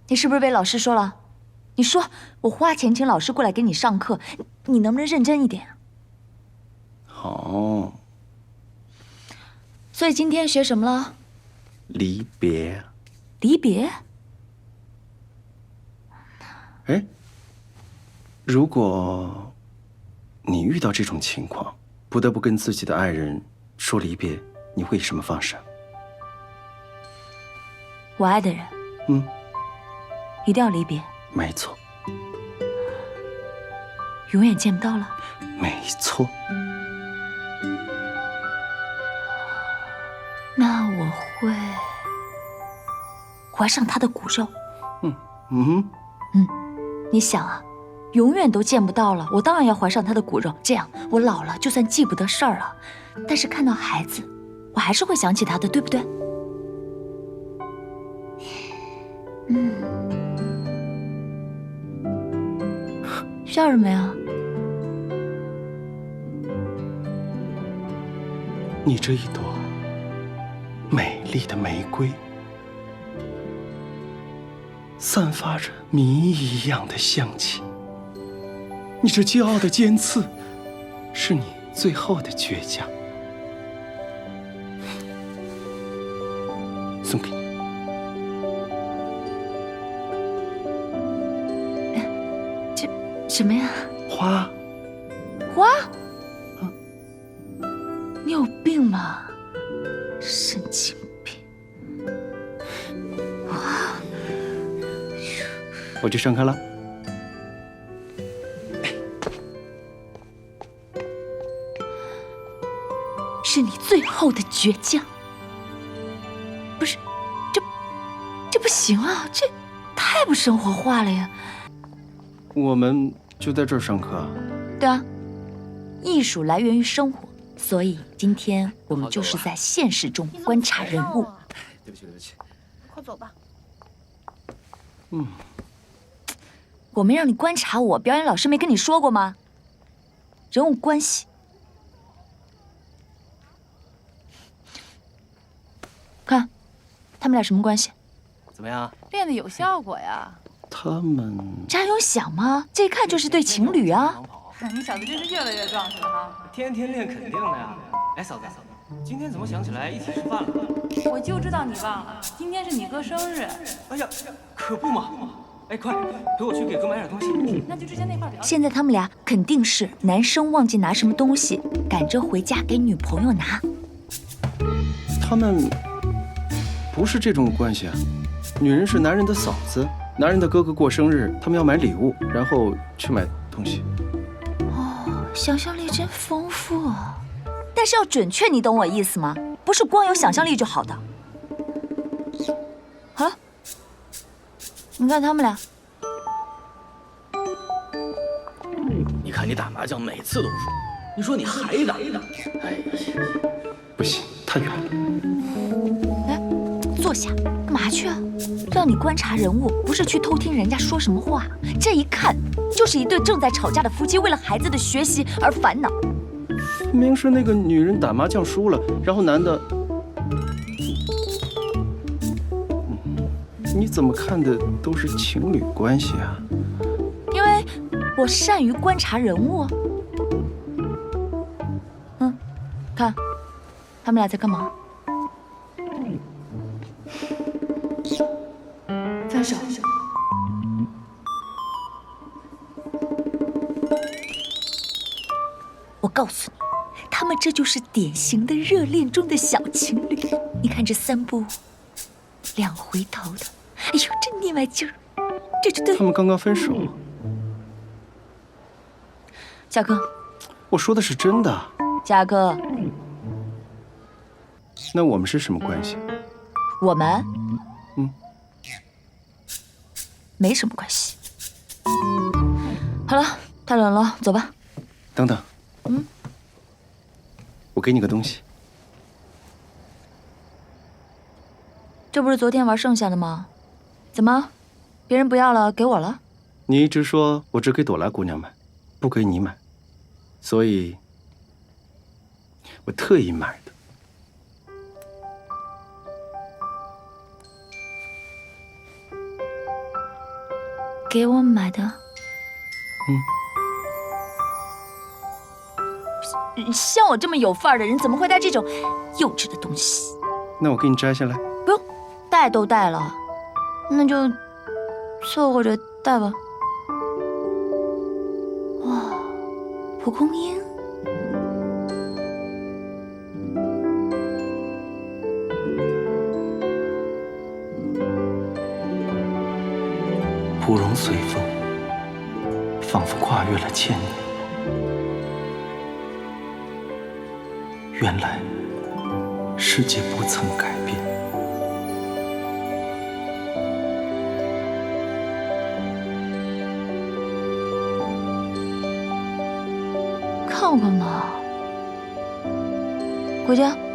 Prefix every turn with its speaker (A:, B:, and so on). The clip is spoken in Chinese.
A: 你是不是被老师说了？你说我花钱请老师过来给你上课，你能不能认真一点？
B: 好。
A: 所以今天学什么了？
B: 离别。
A: 离别？
B: 哎，如果你遇到这种情况，不得不跟自己的爱人说离别，你会以什么方式？
A: 我爱的人，一定要离别。
B: 没错，
A: 永远见不到了。
B: 没错。
A: 那我会怀上他的骨肉。你想啊，永远都见不到了，我当然要怀上他的骨肉，这样我老了就算记不得事儿了，但是看到孩子，我还是会想起他的，对不对？笑什么呀？
B: 你这一朵美丽的玫瑰，散发着谜一样的香气。你这骄傲的尖刺，是你最后的倔强。送给你。
A: 什么呀？
B: 花。
A: 花？你有病吧？神经病！
B: 我去上课了。
A: 是你最后的倔强。不是，这不行啊，这太不生活化了呀。
B: 我们就在这儿上课啊？
A: 对啊，艺术来源于生活，所以今天我们就是在现实中观察人物。
C: 对不起，对不起。
D: 快走吧。
A: 我没让你观察我，表演老师没跟你说过吗？人物关系。看，他们俩什么关系？
C: 怎么样？
D: 练的有效果呀！
B: 他们
A: 这还用想吗？这一看就是对情侣啊！
D: 你小子真是越来越壮实了哈！
C: 天天练肯定的呀。哎，嫂子，今天怎么想起来一起吃饭了？
D: 我就知道你忘了，今天是你哥生日。
C: 哎呀，可不嘛！哎，快陪我去给哥买点东西。
D: 那就之前那块聊。
A: 现在他们俩肯定是男生忘记拿什么东西，赶着回家给女朋友拿。
B: 他们不是这种关系啊。女人是男人的嫂子，男人的哥哥过生日，他们要买礼物，然后去买东西。
A: 哦，想象力真丰富啊！但是要准确，你懂我意思吗？不是光有想象力就好的。好了，你看他们俩。
E: 你看你打麻将每次都输，你说你还打？哎呀，
B: 不行，太远了。
A: 哎，坐下，干嘛去啊？让你观察人物，不是去偷听人家说什么话。这一看就是一对正在吵架的夫妻，为了孩子的学习而烦恼。
B: 明明是那个女人打麻将输了，然后男的，你怎么看的都是情侣关系啊？
A: 因为我善于观察人物。看，他们俩在干嘛？分手。我告诉你，他们这就是典型的热恋中的小情侣。你看这3步2回头的，哎呦，这腻歪劲儿，这就对。
B: 他们刚刚分手。
A: 嘉哥，
B: 我说的是真的。
A: 嘉哥，
B: 那我们是什么关系？
A: 我们没什么关系。好了，太冷了，走吧。
B: 等等。我给你个东西。
A: 这不是昨天玩剩下的吗？怎么，别人不要了，给我了？
B: 你一直说我只给朵拉姑娘买，不给你买，所以我特意买的。
A: 给我买的。像我这么有范儿的人，怎么会带这种幼稚的东西？
B: 那我给你摘下来。
A: 不用，带都带了，那就凑合着带吧。哇，蒲公英。
B: 芙蓉随风，仿佛跨越了千年。原来，世界不曾改变。
A: 看我干嘛？回家。